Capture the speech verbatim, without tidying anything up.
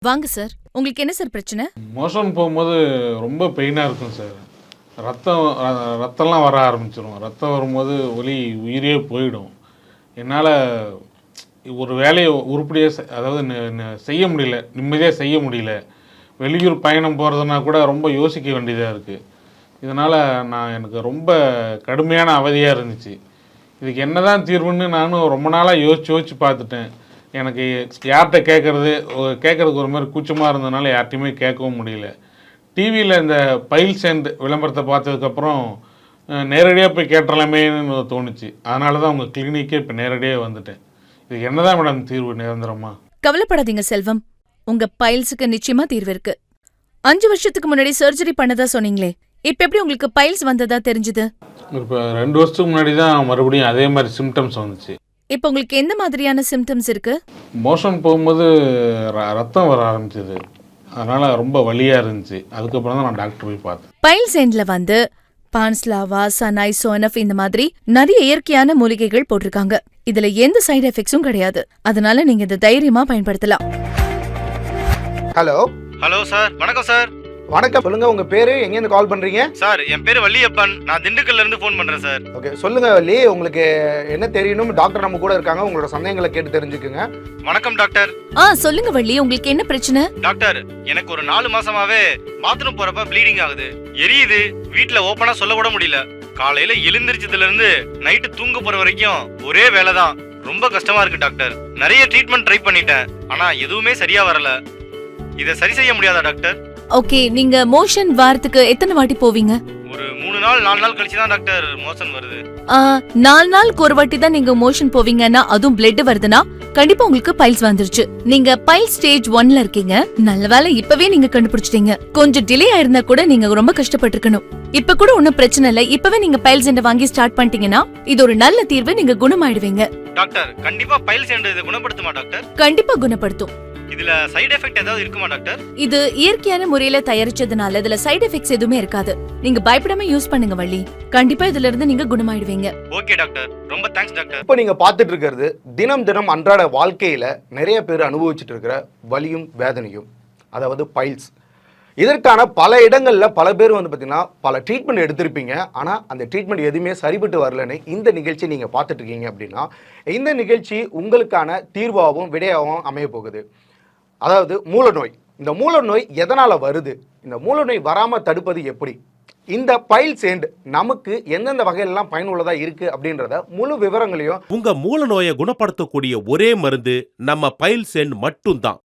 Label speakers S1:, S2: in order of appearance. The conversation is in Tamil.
S1: வாங்க சார். உங்களுக்கு என்ன சார் பிரச்சனை?
S2: மோஷன் போகும்போது ரொம்ப பெயினாக இருக்கும் சார். ரத்தம் ர- ரத்தம்லாம் வர ஆரம்பிச்சிடும். ரத்தம் வரும்போது வலி உயிரே போயிடும். என்னால் ஒரு வேலையை உருப்படியாக செ- அதாவது நி- நி- செய்ய முடியல, நிம்மதியாக செய்ய முடியல. வெளியூர் பயணம் போகிறதுனா கூட ரொம்ப யோசிக்க வேண்டியதாக இருக்குது. இதனால் நான் எனக்கு ரொம்ப கடுமையான அவதியாக இருந்துச்சு. இதுக்கு என்ன தான் தீர்வுன்னு நானும் ரொம்ப நாளாக யோசிச்சு யோசிச்சு பார்த்துட்டேன். எனக்கு யார்கிட்ட கேட்குறது கேட்குறதுக்கு ஒரு மாதிரி கூச்சமாக இருந்ததுனால யார்கிட்டையுமே கேட்கவும் முடியல. டிவியில் இந்த பைல் சேண்ட் விளம்பரத்தை பார்த்ததுக்கப்புறம் நேரடியாக போய் கேட்டுறலாமேன்னு தோணுச்சு. அதனால தான் உங்கள் கிளினிக்கே இப்போ நேரடியாக வந்துட்டேன். இதுக்கு என்ன தான் மேடம் தீர்வு நிரந்தரமா?
S1: கவலைப்படாதீங்க செல்வம். உங்க பைல்ஸுக்கு நிச்சயமா தீர்வு இருக்கு. அஞ்சு வருஷத்துக்கு முன்னாடி சர்ஜரி பண்ணதா சொன்னீங்களே, இப்ப எப்படி உங்களுக்கு பைல்ஸ் வந்ததா தெரிஞ்சது?
S2: இப்போ ரெண்டு வருஷத்துக்கு முன்னாடி தான் மறுபடியும் அதே மாதிரி சிம்டம்ஸ் வந்துச்சு.
S1: இப்ப உங்களுக்கு எந்த மாதிரியான சிம்டம்ஸ் இருக்கு?
S2: மோஷன் போகும்போது ர- ரத்தம் வர ஆரம்பிச்சது. அதனால் ரொம்ப வலியாக இருந்துச்சு. அதுக்கப்புறம் தான் நான் டாக்டர் போய் பார்த்தேன்.
S1: பைல்ஸ் எண்ட்ல வந்து பான்ஸ்லாவா, சனாய், சோனப் இந்த மாதிரி நிறைய இயற்கையான மூலிகைகள் போட்டிருக்காங்க. இதுல எந்த சைடு எஃபெக்ட்ஸும் கிடையாது. அதனால நீங்க இதை தைரியமா பயன்படுத்தலாம்.
S3: ஹலோ
S4: ஹலோ சார், வணக்கம் சார்.
S3: வணக்கம். சொல்லுங்க, உங்க பேரு, எங்க இருந்து கால் பண்றீங்க?
S4: சார், என் பேரு வள்ளியப்பன். நான் திண்டுக்கல்ல இருந்து ஃபோன் பண்றேன் சார்.
S3: ஓகே, சொல்லுங்க வள்ளி, உங்களுக்கு என்ன தெரியணும்? டாக்டர் நம்ம கூட இருக்காங்க, உங்களோட சந்தேகங்களை கேட்டு தெரிஞ்சுக்குங்க.
S4: வணக்கம் டாக்டர்.
S1: ஆ சொல்லுங்க வள்ளி, உங்களுக்கு என்ன பிரச்சனை?
S4: டாக்டர், எனக்கு ஒரு நாலு மாசமாவே பாத்ரூம் போறப்ப ப்ளீடிங் ஆகுது, எரியுது. வீட்ல ஓப்பனா சொல்ல கூட முடியல. காலையில எழுந்திரிச்சதுல இருந்து நைட்டு தூங்க போற வரைக்கும் ஒரே வேலை தான். ரொம்ப கஷ்டமா இருக்கு டாக்டர். நிறைய ட்ரீட்மெண்ட் ட்ரை பண்ணிட்டேன், ஆனா எதுவுமே சரியா வரல. இதை சரி செய்ய முடியாதா டாக்டர்?
S1: ஓகே, நீங்க மோஷன் வாரத்துக்கு எத்தனை வாட்டி போவீங்க?
S4: ஒரு மூணு நாள் நாலு நாள் கழிச்சு தான் டாக்டர் மோஷன் வருது.
S1: ஆ, நாலு நாளுக்கு ஒரு வாட்டி தான் நீங்க மோஷன் போவீங்கன்னா, அதுவும் பிளட் வருதுன்னா கண்டிப்பா உங்களுக்கு பைல்ஸ் வந்துருச்சு. நீங்க பைல் ஸ்டேஜ் ஒன்ல இருக்கீங்க. நல்ல வேளை இப்பவே நீங்க கண்டுபிடிச்சிட்டீங்க. கொஞ்சம் டிலே ஆயிருந்தா கூட நீங்க ரொம்ப கஷ்டப்பட்டிருக்கணும். இப்ப கூட ஒன்னும் பிரச்சனை இல்ல. இப்பவே நீங்க பைல்ஸ் எண்ட் வாங்கி ஸ்டார்ட் பண்ணிட்டீங்கன்னா இது ஒரு நல்ல தீர்வு. நீங்க குணமாயிடுவீங்க.
S4: டாக்டர், கண்டிப்பா பைல் சேர்ந்து இதை குணப்படுத்துமா டாக்டர்?
S1: கண்டிப்பா குணப்படுத்தும்.
S4: இதுல சைடு எஃபெக்ட் ஏதாவது இருக்குமா டாக்டர்?
S1: இது இயற்கையான முறையில தயாரிச்சதுனால இதுல சைடு எஃபெக்ட்ஸ் எதுவுமே இருக்காது. நீங்க பயப்படாம யூஸ் பண்ணுங்க வள்ளி. கண்டிப்பா இதுல இருந்து நீங்க குணமாயிடுவீங்க.
S4: ஓகே டாக்டர், ரொம்ப தேங்க்ஸ் டாக்டர்.
S3: இப்போ நீங்க பார்த்துட்டு இருக்கிறது தினம் தினம் அன்றாட வாழ்க்கையில நிறைய பேர் அனுபவிச்சுட்டு இருக்கிற வலியும் வேதனையும், அதாவது பைல்ஸ். இதற்கான பல இடங்கள்ல பல பேர் வந்து பார்த்தீங்கன்னா பல ட்ரீட்மெண்ட் எடுத்திருப்பீங்க. ஆனால் அந்த ட்ரீட்மெண்ட் எதுவுமே சரிபட்டு வரலன்னு இந்த நிகழ்ச்சி நீங்கள் பார்த்துட்டு இருக்கீங்க அப்படின்னா, இந்த நிகழ்ச்சி உங்களுக்கான தீர்வாகவும் விடையாகவும் அமைய போகுது. அதாவது மூலநோய். இந்த மூலநோய் எதனால் வருது, இந்த மூலநோய் வராமல் தடுப்பது எப்படி, இந்த பைல் சேண்ட் நமக்கு எந்தெந்த வகையிலெல்லாம் பயனுள்ளதா இருக்கு அப்படின்றத முழு விவரங்களையும்
S5: உங்க மூல நோயை குணப்படுத்தக்கூடிய ஒரே மருந்து நம்ம பைல் சேண்ட் மட்டும்தான்.